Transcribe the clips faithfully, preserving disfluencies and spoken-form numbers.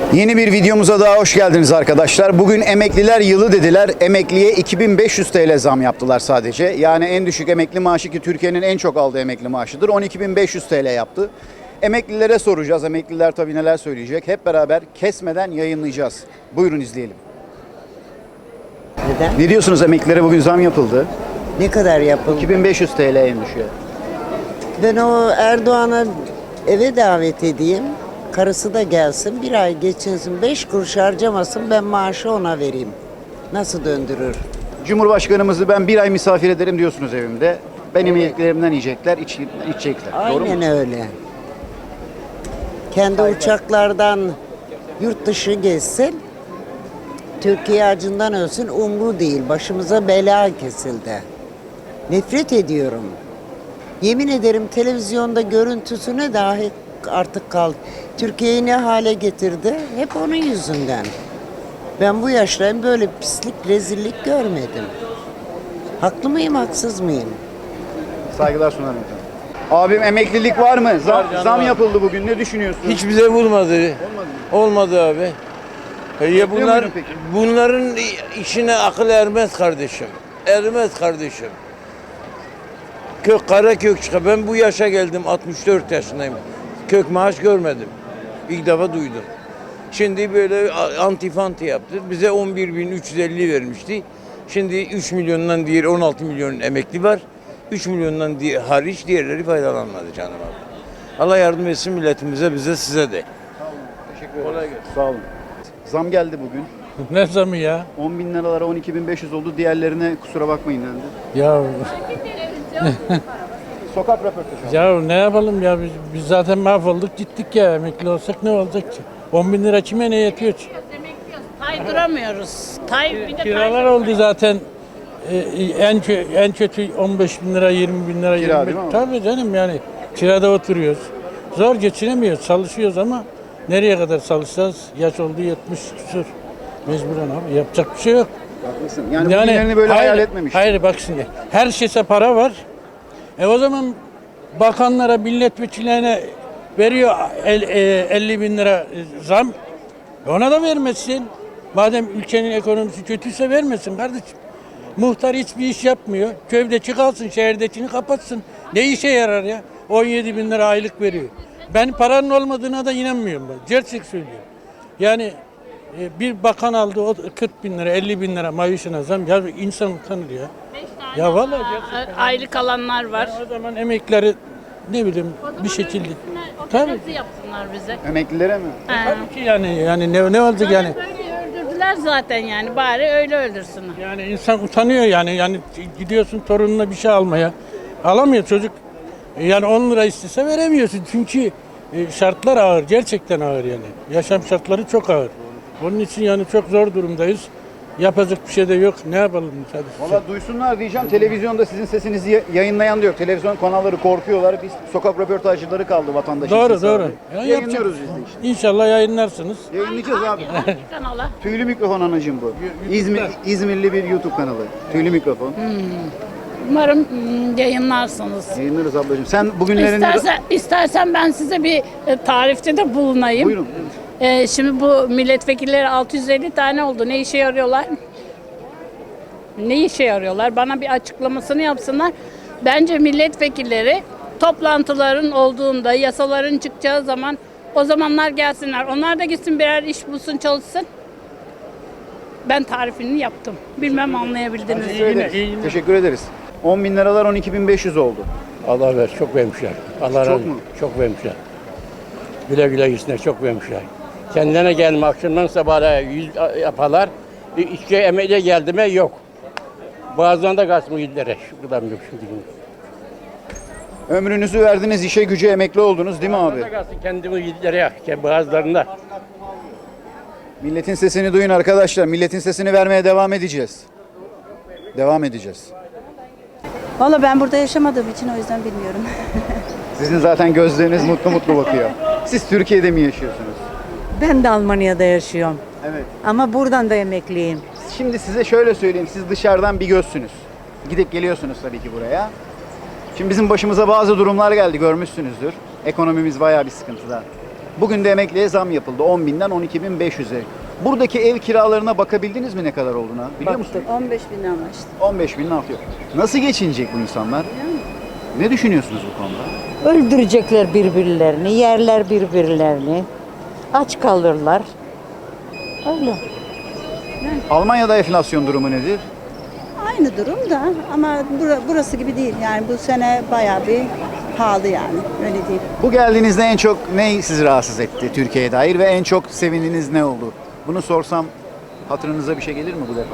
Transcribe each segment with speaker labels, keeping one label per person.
Speaker 1: Yeni bir videomuza daha hoş geldiniz arkadaşlar. Bugün emekliler yılı dediler. Emekliye iki bin beş yüz T L zam yaptılar sadece. Yani en düşük emekli maaşı ki Türkiye'nin en çok aldığı emekli maaşıdır. on iki bin beş yüz T L yaptı. Emeklilere soracağız. Emekliler tabii neler söyleyecek. Hep beraber kesmeden yayınlayacağız. Buyurun izleyelim.
Speaker 2: Neden?
Speaker 1: Ne diyorsunuz, emeklilere bugün zam yapıldı?
Speaker 2: Ne kadar yapıldı?
Speaker 1: iki bin beş yüz T L en düşüğü.
Speaker 2: Ben o Erdoğan'a eve davet edeyim. Karısı da gelsin. Bir ay geçinsin. Beş kuruş harcamasın. Ben maaşı ona vereyim. Nasıl döndürür?
Speaker 1: Cumhurbaşkanımızı ben bir ay misafir ederim diyorsunuz evimde. Benim yemeklerimden yiyecekler, iç, içecekler. Doğru mu?
Speaker 2: Aynen öyle. Kendi uçaklardan yurt dışı gezsin. Türkiye acından ölsün. Umru değil. Başımıza bela kesildi. Nefret ediyorum. Yemin ederim televizyonda görüntüsüne dahi artık kal. Türkiye'yi ne hale getirdi? Hep onun yüzünden. Ben bu yaşlarım böyle pislik, rezillik görmedim. Haklı mıyım, haksız mıyım?
Speaker 1: Saygılar sunarım efendim. Abim, emeklilik var mı? Zam,
Speaker 3: Var canım,
Speaker 1: zam
Speaker 3: var.
Speaker 1: yapıldı bugün. Ne düşünüyorsun?
Speaker 3: Hiç bize vurmadı.
Speaker 1: Olmadı mı?
Speaker 3: Olmadı abi. E Ya
Speaker 1: Bekliyor
Speaker 3: bunlar
Speaker 1: muydun peki?
Speaker 3: bunların işine akıl ermez kardeşim. Ermez kardeşim. Kök kara kök çıkar. Ben bu yaşa geldim, altmış dört yaşındayım. Kök maaş görmedim. İlk defa duydum. Şimdi böyle antifanti yaptı. Bize on bir bin üç yüz elli vermişti. Şimdi üç milyondan diğer on altı milyon emekli var. üç milyondan di- hariç diğerleri faydalanmadı canım abi. Allah yardım etsin milletimize, bize, size de.
Speaker 1: Teşekkür ederim. Sağ olun. Zam geldi bugün.
Speaker 4: Ne zamı ya?
Speaker 1: on bin liralara on iki bin beş yüz oldu. Diğerlerine kusura bakmayın dendi.
Speaker 4: Ya
Speaker 1: Sokak röportajı.
Speaker 4: ya ne yapalım ya biz, biz zaten mahvolduk gittik ya, emekli olsak ne olacak ki? on bin lira kime ne yetiyor ki?
Speaker 5: Tay duramıyoruz. Tay bir de
Speaker 4: Kiralar
Speaker 5: tay-
Speaker 4: oldu zaten. Ee, en kö- en kötü on beş bin lira, yirmi bin lira.
Speaker 1: Kira
Speaker 4: yirmi
Speaker 1: değil mi abi?
Speaker 4: Tabii canım, yani kirada oturuyoruz. Zor geçinemiyoruz, çalışıyoruz ama nereye kadar çalışacağız? Yaş oldu yetmiş küsur. Mecburen abi, yapacak bir şey yok.
Speaker 1: Haklısın. Yani, bugünlerini böyle
Speaker 4: hayır,
Speaker 1: hayal etmemiştim.
Speaker 4: Hayır bak şimdi, her şeyse para var. E o zaman bakanlara, milletvekillerine veriyor el- e, elli bin lira e, zam. E ona da vermesin. Madem ülkenin ekonomisi kötüyse vermesin kardeşim. Muhtar hiçbir iş yapmıyor. Köydeki kalsın, şehirdekini kapatsın. Ne işe yarar ya? on yedi bin lira aylık veriyor. Ben paranın olmadığına da inanmıyorum ben. Gerçek söylüyorum. Yani e, bir bakan aldı o kırk bin lira, elli bin lira maaşına zam. Ya insan utanır ya. Ya vallahi gerçekten.
Speaker 5: aylık alanlar var.
Speaker 4: O zaman emeklileri ne bileyim bir şekilde. Tabii.
Speaker 5: Tabii. yapsınlar bize.
Speaker 1: Emeklilere mi?
Speaker 5: He.
Speaker 4: Tabii ki yani yani ne ne olacak yani?
Speaker 5: Böyle öldürdüler zaten yani. Bari öyle öldürsünler.
Speaker 4: Yani insan utanıyor yani. Yani gidiyorsun torununa bir şey almaya. Alamıyor çocuk. Yani on lira istese veremiyorsun. Çünkü e, şartlar ağır. Gerçekten ağır yani. Yaşam şartları çok ağır. Onun için yani çok zor durumdayız. Yapacak bir şey de yok. Ne yapalım hadi.
Speaker 1: Valla duysunlar diyeceğim. Televizyonda sizin sesinizi ya- yayınlayan da yok. Televizyon kanalları korkuyorlar. Biz sokak röportajcıları kaldı vatandaşın
Speaker 4: Doğru
Speaker 1: sesi
Speaker 4: doğru.
Speaker 1: abi.
Speaker 4: Ya
Speaker 1: Yayınlıyoruz
Speaker 4: yapacak-
Speaker 1: biz de işte.
Speaker 4: İnşallah yayınlarsınız.
Speaker 1: Yayınlayacağız abi.
Speaker 5: Hangi kanala?
Speaker 1: Tüylü mikrofon anacığım bu. İzmir, İzmirli bir YouTube kanalı. Tüylü mikrofon.
Speaker 5: Umarım mm, yayınlarsınız.
Speaker 1: Yayınlarız ablacığım. Sen bugünlerinde...
Speaker 5: İstersen, istersen ben size bir e, tarifte de bulunayım.
Speaker 1: Buyurun.
Speaker 5: E, şimdi bu milletvekilleri altı yüz elli tane oldu. Ne işe yarıyorlar? Ne işe yarıyorlar? Bana bir açıklamasını yapsınlar. Bence milletvekilleri toplantıların olduğunda, yasaların çıkacağı zaman o zamanlar gelsinler. Onlar da gitsin birer iş bulsun, çalışsın. Ben tarifini yaptım. Bilmem anlayabildiniz mi?
Speaker 1: Teşekkür ederiz.
Speaker 4: iyi günler.
Speaker 1: Teşekkür ederiz. on bin liralar on iki bin beş yüz oldu.
Speaker 6: Allah ver, çok vermişler. Allah razı olsun.
Speaker 1: mu?
Speaker 6: Çok vermişler. Güle güle gitsinler, çok vermişler. Kendine gelme, akşamdan sabahlara yüz yaparlar. İşçi emekliye geldi mi yok. Bazılarında gasmı gidilere. Şu kadar yok şimdi.
Speaker 1: Ömrünüzü verdiniz, işe güce emekli oldunuz değil mi abi?
Speaker 6: Bazılarında kalsın kendimi gidilere, bazılarında.
Speaker 1: Milletin sesini duyun arkadaşlar. Milletin sesini vermeye devam edeceğiz. Devam edeceğiz.
Speaker 7: Valla ben burada yaşamadığım için o yüzden bilmiyorum.
Speaker 1: Sizin zaten gözleriniz mutlu mutlu bakıyor. Siz Türkiye'de mi yaşıyorsunuz?
Speaker 8: Ben de Almanya'da yaşıyorum.
Speaker 1: Evet.
Speaker 8: Ama buradan da emekliyim.
Speaker 1: Şimdi size şöyle söyleyeyim. Siz dışarıdan bir gözsünüz. Gidip geliyorsunuz tabii ki buraya. Şimdi bizim başımıza bazı durumlar geldi, görmüşsünüzdür. Ekonomimiz bayağı bir sıkıntıda. Bugün de emekliye zam yapıldı. on binden on iki bin beş yüze. Buradaki ev kiralarına bakabildiniz mi ne kadar olduğuna? Biliyor musun?
Speaker 7: on beş bin anlaştı.
Speaker 1: on beş binin altı yok. Nasıl geçinecek bu insanlar? Ne düşünüyorsunuz bu konuda?
Speaker 8: Öldürecekler birbirlerini, yerler birbirlerini. Aç kalırlar. Öyle.
Speaker 1: Almanya'da enflasyon durumu nedir?
Speaker 7: Aynı durum da ama bura- burası gibi değil. Yani bu sene bayağı bir pahalı yani. Öyle değil.
Speaker 1: Bu geldiğinizde en çok ne sizi rahatsız etti Türkiye'ye dair ve en çok sevindiğiniz ne oldu? Bunu sorsam hatırınıza bir şey gelir mi bu defa?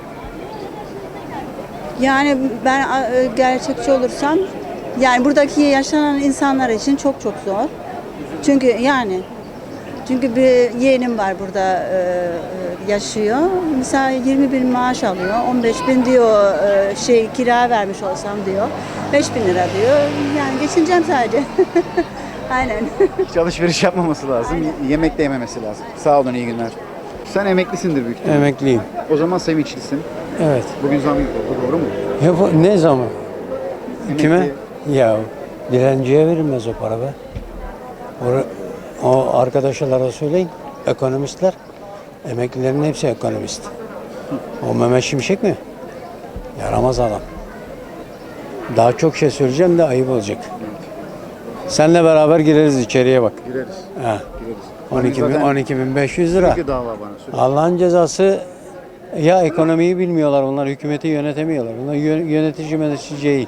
Speaker 7: Yani ben e, gerçekçi olursam yani buradaki yaşanan insanlar için çok çok zor. Çünkü yani çünkü bir yeğenim var burada e, e, yaşıyor. Mesela yirmi bin maaş alıyor. on beş bin diyor e, şey kira vermiş olsam diyor. beş bin lira diyor. Yani geçineceğim sadece. Aynen.
Speaker 1: Hiç alışveriş yapmaması lazım. Yemek de yememesi lazım. Sağ olun, iyi günler. Sen emeklisindir büyük ihtimalle.
Speaker 9: Emekliyim.
Speaker 1: O zaman sevinçlisin.
Speaker 9: Evet.
Speaker 1: Bugün zam yapıldı, doğru mu?
Speaker 9: Ya bu ne zaman? Kime?
Speaker 1: Emekli-
Speaker 9: Ya dilenciye verilmez o para be. O, o arkadaşlara söyleyin. Ekonomistler. Emeklilerin hepsi ekonomist. O Mehmet Şimşek mi? Yaramaz adam. Daha çok şey söyleyeceğim de ayıp olacak. Seninle beraber gireriz içeriye bak.
Speaker 1: Gireriz.
Speaker 9: Ha.
Speaker 1: Gireriz.
Speaker 9: on iki bin,
Speaker 1: Zaten
Speaker 9: on iki bin beş yüz lira.
Speaker 1: sürekli dava bana sürekli.
Speaker 9: Allah'ın cezası, ya ekonomiyi bilmiyorlar bunlar, hükümeti yönetemiyorlar. Bunlar yö- yönetici yönetici değil.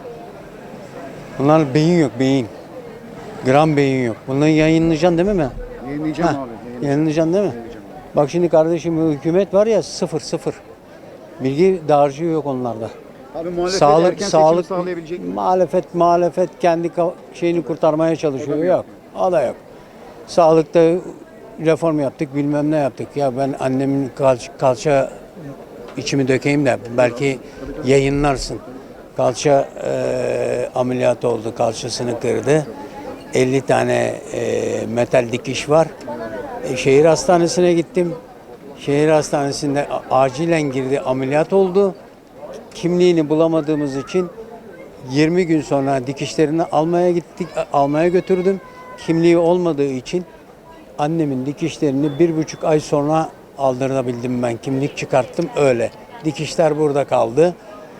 Speaker 9: Bunlar beyin yok, beyin. Gram beyin yok. Bunları yayınlayacaksın değil mi mi?
Speaker 1: Yayınlayacağım
Speaker 9: Heh,
Speaker 1: abi. Yayınlayacağım.
Speaker 9: Yayınlayacaksın değil mi?
Speaker 1: Yayınlayacağım.
Speaker 9: Bak şimdi kardeşim, bu hükümet var ya, sıfır sıfır. Bilgi dağarcığı yok onlarda.
Speaker 1: Abi muhalefet
Speaker 9: Sağlık,
Speaker 1: erken
Speaker 9: sağlık,
Speaker 1: seçim sağlayabilecek mi?
Speaker 9: muhalefet, muhalefet kendi ka- şeyini kurtarmaya çalışıyor. Yok, o da yok. Sağlıkta reform yaptık, bilmem ne yaptık. Ya ben annemin kalça, kalça içimi dökeyim de belki yayınlarsın. Kalça e, ameliyatı oldu, kalçasını kırdı. elli tane e, metal dikiş var. E, şehir hastanesine gittim. Şehir hastanesinde a- acilen girdi, ameliyat oldu. Kimliğini bulamadığımız için yirmi gün sonra dikişlerini almaya gittik, almaya götürdüm. Kimliği olmadığı için annemin dikişlerini bir buçuk ay sonra aldırabildim ben. Kimlik çıkarttım öyle. Dikişler burada kaldı.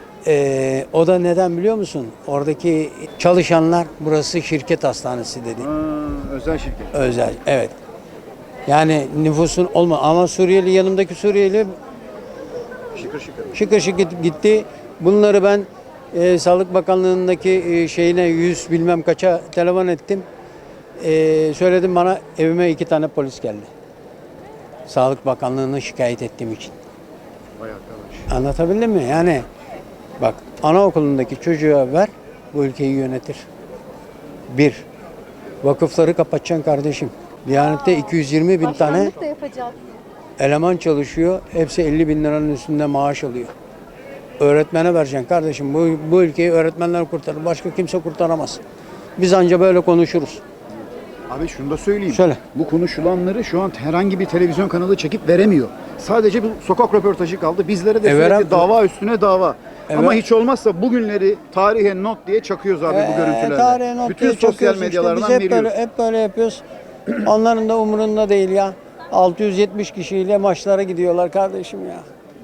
Speaker 9: Ee, o da neden biliyor musun? Oradaki çalışanlar, burası şirket hastanesi dedi.
Speaker 1: Ha, özel şirket.
Speaker 9: Özel, evet. Yani nüfusun olma ama Suriyeli, yanımdaki Suriyeli
Speaker 1: Şıkır şıkır.
Speaker 9: şıkır şıkır gitti. Bunları ben e, Sağlık Bakanlığı'ndaki e, şeyine yüz bilmem kaça telefon ettim. E, söyledim, bana evime iki tane polis geldi. Sağlık Bakanlığı'na şikayet ettiğim için.
Speaker 1: Vay arkadaş.
Speaker 9: Anlatabildim mi? Yani bak, anaokulundaki çocuğa ver, bu ülkeyi yönetir. Bir, vakıfları kapatacaksın kardeşim. Diyanette iki yüz yirmi bin tane eleman çalışıyor. Hepsi elli bin liranın üstünde maaş alıyor. Öğretmene vereceksin kardeşim. Bu, bu ülkeyi öğretmenler kurtarır. Başka kimse kurtaramaz. Biz anca böyle konuşuruz.
Speaker 1: Abi şunu da söyleyeyim.
Speaker 9: Söyle.
Speaker 1: Bu konuşulanları şu an herhangi bir televizyon kanalı çekip veremiyor. Sadece bir sokak röportajı kaldı. Bizlere de
Speaker 9: E,
Speaker 1: sürekli
Speaker 9: verem-
Speaker 1: dava üstüne dava.
Speaker 9: E,
Speaker 1: Ama
Speaker 9: ver-
Speaker 1: hiç olmazsa bugünleri tarihe not diye çakıyoruz abi bu
Speaker 9: Ee,
Speaker 1: görüntülerle.
Speaker 9: tarihe not
Speaker 1: Bütün
Speaker 9: diye
Speaker 1: sosyal
Speaker 9: çakıyoruz işte.
Speaker 1: medyalardan
Speaker 9: Biz hep
Speaker 1: veriyoruz.
Speaker 9: böyle, hep böyle yapıyoruz. Onların da umurunda değil ya. altı yüz yetmiş kişiyle maçlara gidiyorlar kardeşim ya.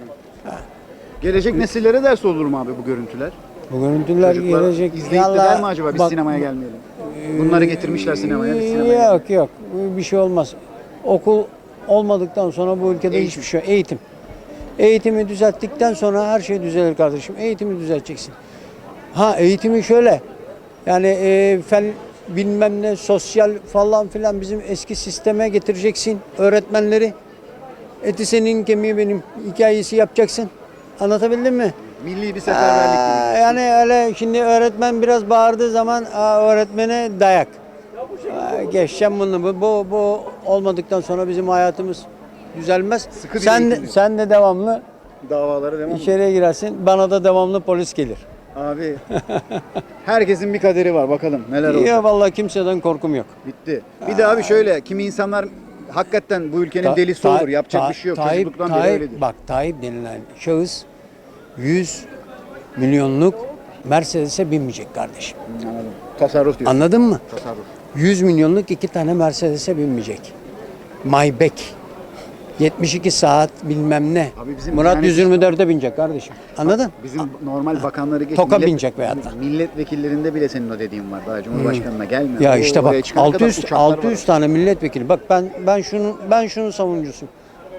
Speaker 1: Gelecek nesillere ders olur mu abi bu görüntüler?
Speaker 9: Bu görüntüler
Speaker 1: Çocuklar
Speaker 9: gelecek.
Speaker 1: izleyip de
Speaker 9: Yallah,
Speaker 1: der mi acaba biz
Speaker 9: bak-
Speaker 1: sinemaya gelmeyelim? Bunları getirmişler sinemaya, biz sinemaya gelmeyelim.
Speaker 9: Yok yok, bir şey olmaz. Okul olmadıktan sonra bu ülkede
Speaker 1: Eğitim.
Speaker 9: hiçbir şey yok. Eğitim. Eğitimi düzelttikten sonra her şey düzelir kardeşim. Eğitimi düzelteceksin. Ha, eğitimi şöyle. Yani e, fen bilmem ne, sosyal falan filan bizim eski sisteme getireceksin öğretmenleri. Eti senin, kemiği benim hikayesi yapacaksın. Anlatabildim mi?
Speaker 1: Milli bir seferberlik
Speaker 9: Aa,
Speaker 1: gibi.
Speaker 9: yani öyle şimdi öğretmen biraz bağırdığı zaman aa, öğretmene dayak. Aa, geçeceğim bunu. Bu, bu, bu olmadıktan sonra bizim hayatımız düzelmez.
Speaker 1: Sıkı bir
Speaker 9: Sen de,
Speaker 1: eğitim.
Speaker 9: sen de devamlı
Speaker 1: Davalara devam mı?
Speaker 9: içeriye girersin. Bana da devamlı polis gelir.
Speaker 1: Abi herkesin bir kaderi var, bakalım neler olacak.
Speaker 9: Ya vallahi kimseden korkum yok.
Speaker 1: Bitti. Bir de abi şöyle, kimi insanlar hakikaten bu ülkenin
Speaker 9: Ta-
Speaker 1: delisi
Speaker 9: Ta-
Speaker 1: olur. Yapacak
Speaker 9: Ta-
Speaker 1: bir şey yok.
Speaker 9: Tayyip,
Speaker 1: Çocukluktan beri
Speaker 9: Tayyip,
Speaker 1: öyledir.
Speaker 9: bak Tayyip denilen şahıs yüz milyonluk Mercedes'e binmeyecek kardeşim.
Speaker 1: Anladım. Tasarruf diyorsun.
Speaker 9: Anladın mı?
Speaker 1: Tasarruf.
Speaker 9: yüz milyonluk iki tane Mercedes'e binmeyecek. Maybach. yetmiş iki saat bilmem ne.
Speaker 1: Abi bizim
Speaker 9: Murat
Speaker 1: yani-
Speaker 9: yüz yirmi dörde binecek kardeşim. Anladın?
Speaker 1: Bizim normal bakanları geç.
Speaker 9: Toka
Speaker 1: millet-
Speaker 9: binecek veyahut da.
Speaker 1: Milletvekillerinde bile senin o dediğin var. Daha Cumhurbaşkanına gelmiyor.
Speaker 9: Ya
Speaker 1: O
Speaker 9: işte bak
Speaker 1: oraya çıkana kadar
Speaker 9: altı yüz
Speaker 1: uçaklar
Speaker 9: altı yüz
Speaker 1: var.
Speaker 9: tane milletvekili. Bak ben ben şunu ben şunun savunucusuyum.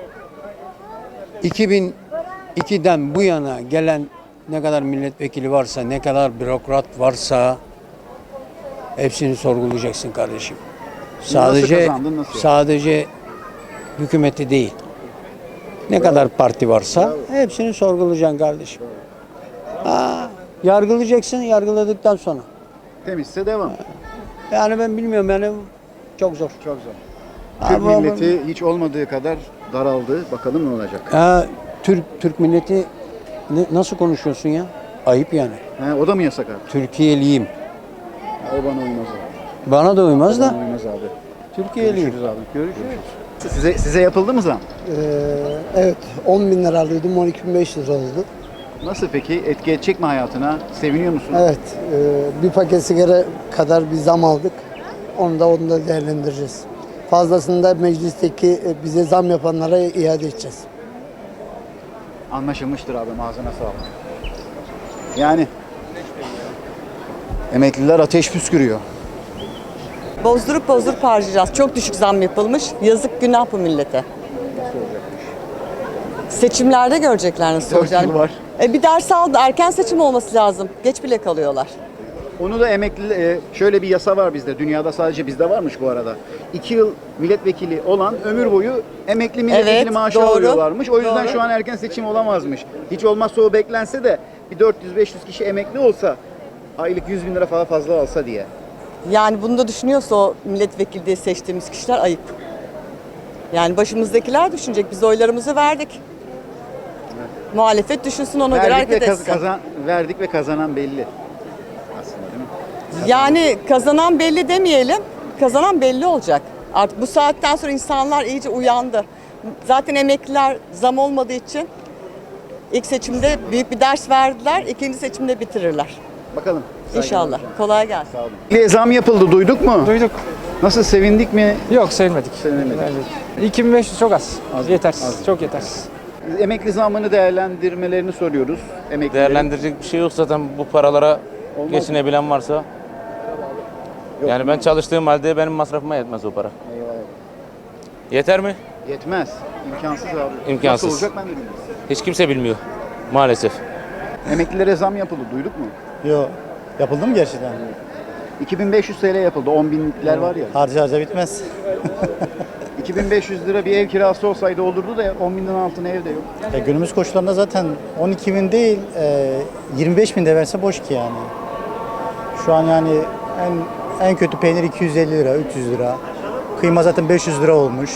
Speaker 9: iki bin ikiden bu yana gelen ne kadar milletvekili varsa, ne kadar bürokrat varsa hepsini sorgulayacaksın kardeşim. Sadece
Speaker 1: kazandın, nasıl?
Speaker 9: sadece hükümeti değil. Ne kadar parti varsa hepsini sorgulayacaksın kardeşim. Ha, yargılayacaksın, yargıladıktan sonra.
Speaker 1: Temizse devam.
Speaker 9: Yani ben bilmiyorum yani çok zor.
Speaker 1: Çok zor. Türk
Speaker 9: Ama-
Speaker 1: milleti hiç olmadığı kadar daraldı. Bakalım ne olacak.
Speaker 9: Ha, Türk Türk milleti ne- nasıl konuşuyorsun ya? Ayıp yani.
Speaker 1: He, o da mı yasak abi?
Speaker 9: Türkiye'liyim.
Speaker 1: Ha, o bana uymaz abi.
Speaker 9: Bana da uymaz
Speaker 1: Bana
Speaker 9: da
Speaker 1: uymaz abi.
Speaker 9: Türkiye'liyim.
Speaker 1: Görüşürüz abi. Görüşürüz. Size, size yapıldı mı zam?
Speaker 10: Ee, evet on bin lira alıyordum on iki bin beş yüz lira oldu.
Speaker 1: Nasıl peki? Etki edecek mi hayatına? Seviniyor musun?
Speaker 10: Evet e, bir paket sigara kadar bir zam aldık. Onu da onu da değerlendireceğiz. Fazlasını da meclisteki e, bize zam yapanlara iade edeceğiz.
Speaker 1: Anlaşılmıştır abi. Ağzına sağlık. Yani emekliler ateş püskürüyor.
Speaker 11: Bozdurup bozdurup harcayacağız. Çok düşük zam yapılmış. Yazık günah bu millete. Seçimlerde görecekler nasıl
Speaker 1: Dört
Speaker 11: olacağını.
Speaker 1: yıl var.
Speaker 11: E, bir ders aldı. Erken seçim olması lazım. Geç bile kalıyorlar.
Speaker 1: Onu da emekli, e, şöyle bir yasa var bizde. Dünyada sadece bizde varmış bu arada. İki yıl milletvekili olan ömür boyu emekli milletvekili
Speaker 11: Evet,
Speaker 1: maaşı
Speaker 11: doğru.
Speaker 1: alıyorlarmış. O yüzden
Speaker 11: Doğru.
Speaker 1: şu an erken seçim olamazmış. Hiç olmazsa o beklense de bir dört yüz beş yüz kişi emekli olsa aylık yüz bin lira falan fazla alsa diye.
Speaker 11: Yani bunu da düşünüyorsa o milletvekili diye seçtiğimiz kişiler ayıp. Yani başımızdakiler düşünecek. Biz oylarımızı verdik. Muhalefet düşünsün, ona göre
Speaker 1: Verdik ve,
Speaker 11: hareket
Speaker 1: kaz-
Speaker 11: etsin.
Speaker 1: kazan, verdik ve kazanan belli. Aslında değil mi?
Speaker 11: Yani kazanan belli demeyelim, kazanan belli olacak. Artık bu saatten sonra insanlar iyice uyandı. Zaten emekliler zam olmadığı için ilk seçimde büyük bir ders verdiler, ikinci seçimde bitirirler.
Speaker 1: Bakalım.
Speaker 11: İnşallah. Kolay gelsin.
Speaker 1: Sağ olun. Emekliye zam yapıldı, duyduk mu?
Speaker 12: Duyduk.
Speaker 1: Nasıl, sevindik mi?
Speaker 12: Yok sevmedik.
Speaker 1: Sevinemedik.
Speaker 12: iki bin beş yüz çok az.
Speaker 1: Az,
Speaker 12: yetersiz.
Speaker 1: az.
Speaker 12: Çok yetersiz.
Speaker 1: Emekli zammını değerlendirmelerini soruyoruz. Emeklilerin.
Speaker 13: Değerlendirecek bir şey yok zaten bu paralara
Speaker 1: Olmaz
Speaker 13: geçinebilen varsa. Yani ben çalıştığım halde benim masrafıma yetmez o para.
Speaker 1: Eyvallah.
Speaker 13: Yeter mi?
Speaker 1: Yetmez. İmkansız abi.
Speaker 13: İmkansız.
Speaker 1: Nasıl olacak ben de bilmiyorum.
Speaker 13: Hiç kimse bilmiyor maalesef.
Speaker 1: Emeklilere zam yapıldı, duyduk mu?
Speaker 14: Yok. Yapıldı mı gerçekten?
Speaker 1: iki bin beş yüz T L yapıldı. on binlikler var ya.
Speaker 14: Harca harca bitmez.
Speaker 1: iki bin beş yüz lira bir ev kirası olsaydı olurdu da on binden altına ev de yok.
Speaker 14: Ya günümüz koşullarında zaten on iki bin değil, e, yirmi beş bin de verse boş ki yani. Şu an yani en en kötü peynir iki yüz elli lira, üç yüz lira. Kıyma zaten beş yüz lira olmuş.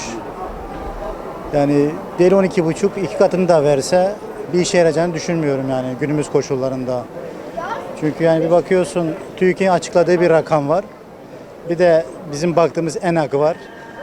Speaker 14: Yani değil on iki buçuk, iki katını da verse bir işe yarayacağını düşünmüyorum yani günümüz koşullarında. Çünkü yani bir bakıyorsun TÜİK'in açıkladığı bir rakam var. Bir de bizim baktığımız ENAG var.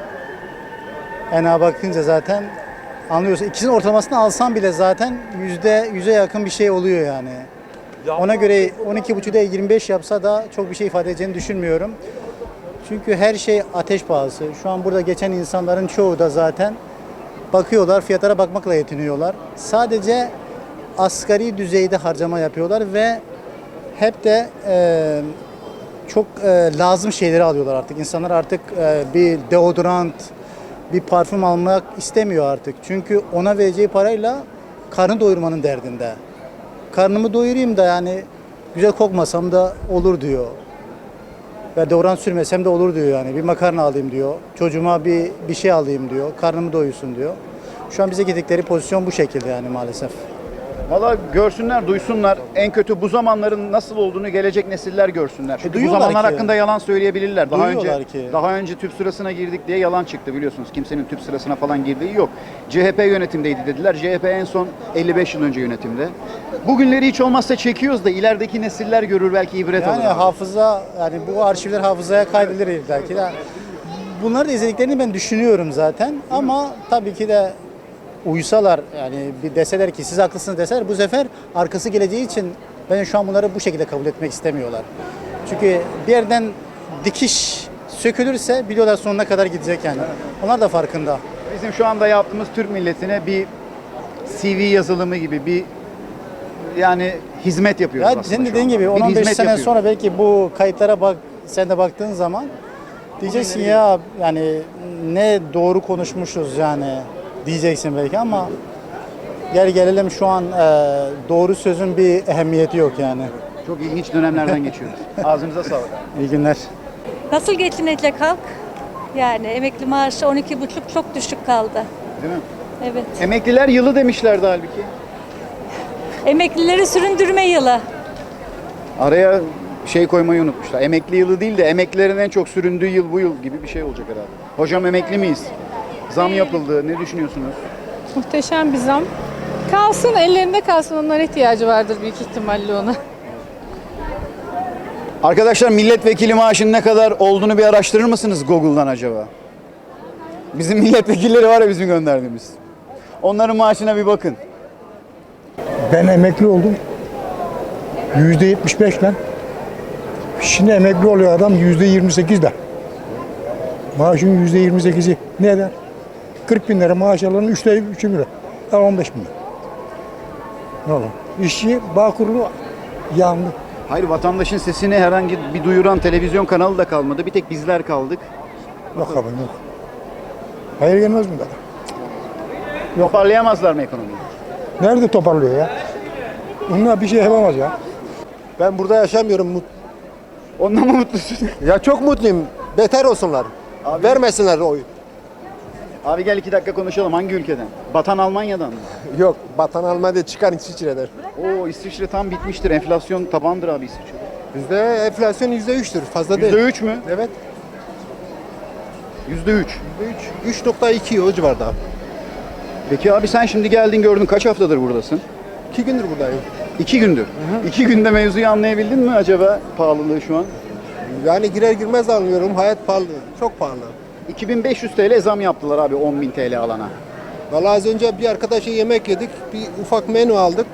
Speaker 14: ENAG'a bakınca zaten anlıyorsun. İkisinin ortalamasını alsan bile zaten yüzde yüze yakın bir şey oluyor yani. Ona göre on iki buçuk değil yirmi beş yapsa da çok bir şey ifade edeceğini düşünmüyorum. Çünkü her şey ateş pahası. Şu an burada geçen insanların çoğu da zaten bakıyorlar, fiyatlara bakmakla yetiniyorlar. Sadece asgari düzeyde harcama yapıyorlar ve hep de e, çok e, lazım şeyleri alıyorlar artık. İnsanlar artık e, bir deodorant, bir parfüm almak istemiyor artık. Çünkü ona vereceği parayla karnı doyurmanın derdinde. Karnımı doyurayım da yani güzel kokmasam da olur diyor. Ve deodorant sürmesem de olur diyor yani. Bir makarna alayım diyor. Çocuğuma bir bir şey alayım diyor. Karnımı doyursun diyor. Şu an bize gittikleri pozisyon bu şekilde yani maalesef.
Speaker 1: Valla görsünler, duysunlar. En kötü bu zamanların nasıl olduğunu gelecek nesiller görsünler. Çünkü bu
Speaker 14: duyuyorlar
Speaker 1: zamanlar
Speaker 14: ki.
Speaker 1: hakkında yalan söyleyebilirler. Daha önce
Speaker 14: Duyuyorlar ki.
Speaker 1: daha önce tüp sırasına girdik diye yalan çıktı biliyorsunuz. Kimsenin tüp sırasına falan girdiği yok. C H P yönetimdeydi dediler. C H P en son elli beş yıl önce yönetimde. Bugünleri hiç olmazsa çekiyoruz da ilerideki nesiller görür, belki ibret alır.
Speaker 14: Yani hafıza, yani bu arşivler hafızaya kaydedilir belki de. Bunları da izlediklerini ben düşünüyorum zaten. Ama tabii ki de uysalar, yani bir deseler ki siz haklısınız deseler, bu sefer arkası geleceği için ben şu an bunları bu şekilde kabul etmek istemiyorlar. Çünkü bir yerden dikiş sökülürse biliyorlar sonuna kadar gidecek yani. Onlar da farkında.
Speaker 1: Bizim şu anda yaptığımız Türk milletine bir C V yazılımı gibi bir yani hizmet yapıyoruz
Speaker 14: Ya
Speaker 1: aslında
Speaker 14: senin
Speaker 1: şu
Speaker 14: dediğin
Speaker 1: anda.
Speaker 14: gibi
Speaker 1: Bir
Speaker 14: on on beş
Speaker 1: hizmet
Speaker 14: sene
Speaker 1: yapıyoruz.
Speaker 14: sonra belki bu kayıtlara bak, sen de baktığın zaman diyeceksin ya yani ne doğru konuşmuşuz yani diyeceksin belki ama gel gelelim şu an e, doğru sözün bir ehemmiyeti yok yani.
Speaker 1: Çok ilginç dönemlerden geçiyoruz. Ağzınıza sağlık.
Speaker 14: İyi günler.
Speaker 15: Nasıl geçinecek halk? Yani emekli maaşı on iki buçuk çok düşük kaldı.
Speaker 1: Değil mi?
Speaker 15: Evet.
Speaker 1: Emekliler yılı demişlerdi halbuki.
Speaker 15: Emeklileri süründürme yılı.
Speaker 1: Araya şey koymayı unutmuşlar. Emekli yılı değil de emeklilerin en çok süründüğü yıl bu yıl gibi bir şey olacak herhalde. Hocam emekli miyiz? Zam yapıldı. Ne düşünüyorsunuz?
Speaker 16: Muhteşem bir zam. Kalsın, ellerinde kalsın. Onlara ihtiyacı vardır büyük ihtimalle ona.
Speaker 1: Arkadaşlar milletvekili maaşının ne kadar olduğunu bir araştırır mısınız Google'dan acaba? Bizim milletvekilleri var ya bizim gönderdiğimiz. Onların maaşına bir bakın.
Speaker 17: Ben emekli oldum. Yüzde yetmiş beşle. Şimdi emekli oluyor adam yüzde yirmi sekizle. Maaşın yüzde yirmi sekizi ne eder? kırk bin lira maaş alanın üçte üçü lira. Yani on beş bin lira. Ne olur? İşçi Bağkurlu yandı.
Speaker 1: Hayır, vatandaşın sesini herhangi bir duyuran televizyon kanalı da kalmadı. Bir tek bizler kaldık.
Speaker 17: Yok abi yok. Hayır gelmez mi kadar?
Speaker 1: Toparlayamazlar mı ekonomiyi?
Speaker 17: Nerede toparlıyor ya? Onlar bir şey yapamaz ya.
Speaker 18: Ben burada yaşamıyorum.
Speaker 1: Ondan mı mutlusun?
Speaker 18: Ya çok mutluyum. Beter olsunlar.
Speaker 1: Abi-
Speaker 18: Vermesinler oy.
Speaker 1: Abi gel iki dakika konuşalım. Hangi ülkeden? Batan Almanya'dan mı?
Speaker 18: Yok, Batan Almanya'da çıkan İsviçre'den.
Speaker 1: Oo, İsviçre tam bitmiştir. Enflasyon tabandır abi İsviçre'de.
Speaker 18: Bizde enflasyon yüzde üçtür. Fazla
Speaker 1: Yüzde
Speaker 18: değil.
Speaker 1: üç mü?
Speaker 18: Evet.
Speaker 1: Yüzde üç.
Speaker 18: Yüzde üç. üç nokta iki o civarda.
Speaker 1: Peki abi sen şimdi geldin gördün. Kaç haftadır buradasın?
Speaker 18: İki gündür buradayım.
Speaker 1: İki gündür. İki günde mevzuyu anlayabildin mi acaba pahalılığı şu an?
Speaker 18: Yani girer girmez anlıyorum. Hayat pahalı. Çok pahalı.
Speaker 1: iki bin beş yüz T L zam yaptılar abi on bin T L alana.
Speaker 18: Vallahi az önce bir arkadaşa yemek yedik. Bir ufak menü aldık.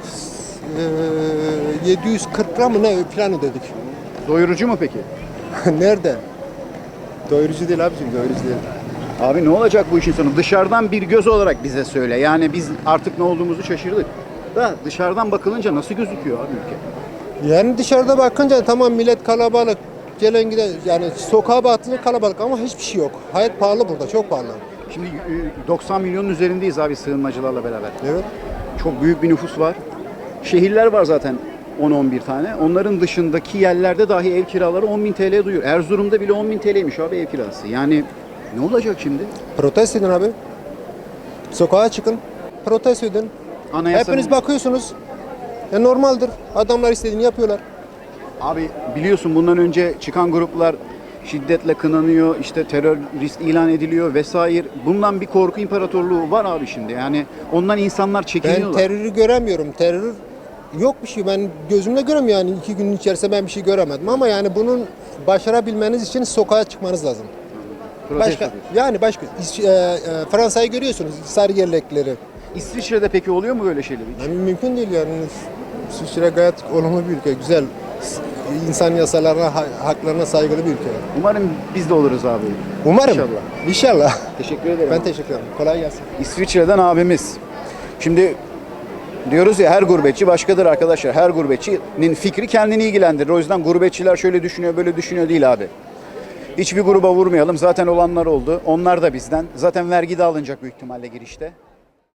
Speaker 18: Ee, yedi yüz kırk lira mı ne falan ödedik.
Speaker 1: Doyurucu mu peki?
Speaker 18: Nerede? Doyurucu değil abicim, doyurucu değil.
Speaker 1: Abi ne olacak bu işin sonu? Dışarıdan bir göz olarak bize söyle. Yani biz artık ne olduğumuzu şaşırdık. Da dışarıdan bakılınca nasıl gözüküyor abi ülke?
Speaker 18: Yani dışarıda bakınca tamam millet kalabalık. Gelen giden yani sokağa baktığında kalabalık ama hiçbir şey yok. Hayat pahalı burada, çok pahalı.
Speaker 1: Şimdi e, doksan milyonun üzerindeyiz abi sığınmacılarla beraber.
Speaker 18: Evet.
Speaker 1: Çok büyük bir nüfus var. Şehirler var zaten on on bir tane. Onların dışındaki yerlerde dahi ev kiraları on bin T L duyuyor. Erzurum'da bile on bin T L'ymiş abi ev kirası. Yani ne olacak şimdi?
Speaker 18: Protesto edin abi. Sokağa çıkın. Protesto edin.
Speaker 1: Anayasanın-
Speaker 18: Hepiniz bakıyorsunuz. Ya normaldir. Adamlar istediğini yapıyorlar.
Speaker 1: Abi biliyorsun bundan önce çıkan gruplar şiddetle kınanıyor, işte terörist ilan ediliyor vesaire. Bundan bir korku imparatorluğu var abi şimdi. Yani ondan insanlar
Speaker 18: Ben
Speaker 1: çekiniyorlar.
Speaker 18: terörü göremiyorum. Terör yok bir şey. Ben gözümle göremiyorum yani iki günün içerisinde ben bir şey göremedim ama yani bunun başarabilmeniz için sokağa çıkmanız lazım.
Speaker 1: Protesto
Speaker 18: Başka,
Speaker 1: diyorsun.
Speaker 18: yani başka İs- e, e, Fransa'yı görüyorsunuz sarı yelekleri.
Speaker 1: İsviçre'de peki oluyor mu böyle şeyler hiç?
Speaker 18: Yani mümkün değil yani. İsviçre gayet olumlu bir ülke, güzel. İnsan yasalarına, ha- haklarına saygılı bir ülke.
Speaker 1: Umarım biz de oluruz abi.
Speaker 18: Umarım.
Speaker 1: İnşallah.
Speaker 18: İnşallah.
Speaker 1: Teşekkür ederim.
Speaker 18: Ben teşekkür ederim. Kolay gelsin.
Speaker 1: İsviçre'den abimiz. Şimdi diyoruz ya her gurbetçi başkadır arkadaşlar. Her gurbetçinin fikri kendini ilgilendirir. O yüzden gurbetçiler şöyle düşünüyor, böyle düşünüyor değil abi. Hiçbir gruba vurmayalım. Zaten olanlar oldu. Onlar da bizden. Zaten vergi de alınacak büyük ihtimalle girişte.